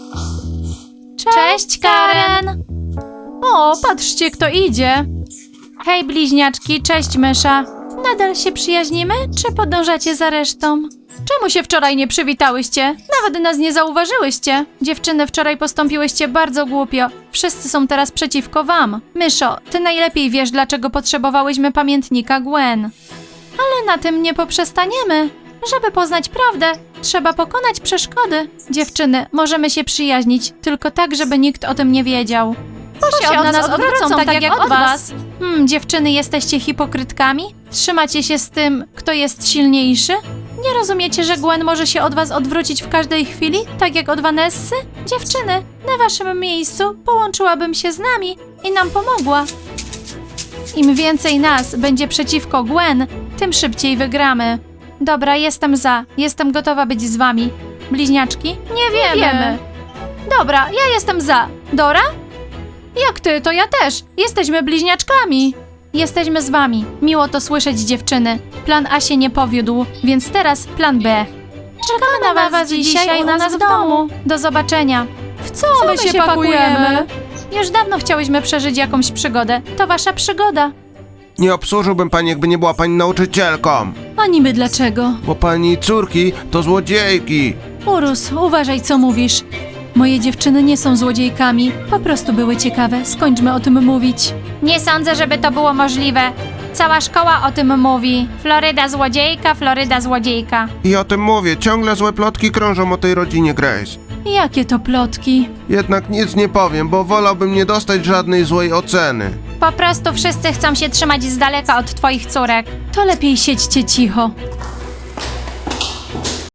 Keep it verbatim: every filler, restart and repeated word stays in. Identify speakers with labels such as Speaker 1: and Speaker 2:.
Speaker 1: Cześć, Karen! O, patrzcie, kto idzie. Hej, bliźniaczki, cześć, mysza. Nadal się przyjaźnimy, czy podążacie za resztą? Czemu się wczoraj nie przywitałyście? Nawet nas nie zauważyłyście. Dziewczyny, wczoraj postąpiłyście bardzo głupio. Wszyscy są teraz przeciwko wam. Myszo, ty najlepiej wiesz, dlaczego potrzebowałyśmy pamiętnika Gwen. Ale na tym nie poprzestaniemy. Żeby poznać prawdę, trzeba pokonać przeszkody. Dziewczyny, możemy się przyjaźnić, tylko tak, żeby nikt o tym nie wiedział. Bo się od nas odwrócą, tak, tak jak od was. Hmm, dziewczyny, jesteście hipokrytkami? Trzymacie się z tym, kto jest silniejszy? Nie rozumiecie, że Gwen może się od was odwrócić w każdej chwili, tak jak od Vanessy? Dziewczyny, na waszym miejscu połączyłabym się z nami i nam pomogła. Im więcej nas będzie przeciwko Gwen, tym szybciej wygramy. Dobra, jestem za. Jestem gotowa być z wami. Bliźniaczki? Nie wiemy. Nie wiemy. Dobra, ja jestem za. Dora? Jak ty, to ja też. Jesteśmy bliźniaczkami. Jesteśmy z wami. Miło to słyszeć, dziewczyny. Plan A się nie powiódł, więc teraz plan B. Czekamy na was dzisiaj u nas w domu. Do zobaczenia. W co,
Speaker 2: Co
Speaker 1: my
Speaker 2: my
Speaker 1: się
Speaker 2: się
Speaker 1: pakujemy?
Speaker 2: pakujemy?
Speaker 1: Już dawno chciałyśmy przeżyć jakąś przygodę. To wasza przygoda.
Speaker 3: Nie obsłużyłbym pani, jakby nie była pani nauczycielką.
Speaker 1: A niby dlaczego?
Speaker 3: Bo pani córki to złodziejki.
Speaker 1: Urus, uważaj, co mówisz. Moje dziewczyny nie są złodziejkami. Po prostu były ciekawe. Skończmy o tym mówić. Nie sądzę, żeby to było możliwe. Cała szkoła o tym mówi. Floryda złodziejka, Floryda złodziejka.
Speaker 3: I o tym mówię, ciągle złe plotki krążą o tej rodzinie Grace.
Speaker 1: Jakie to plotki?
Speaker 3: Jednak nic nie powiem, bo wolałbym nie dostać żadnej złej oceny.
Speaker 1: Po prostu wszyscy chcą się trzymać z daleka od twoich córek. To lepiej siedźcie cicho.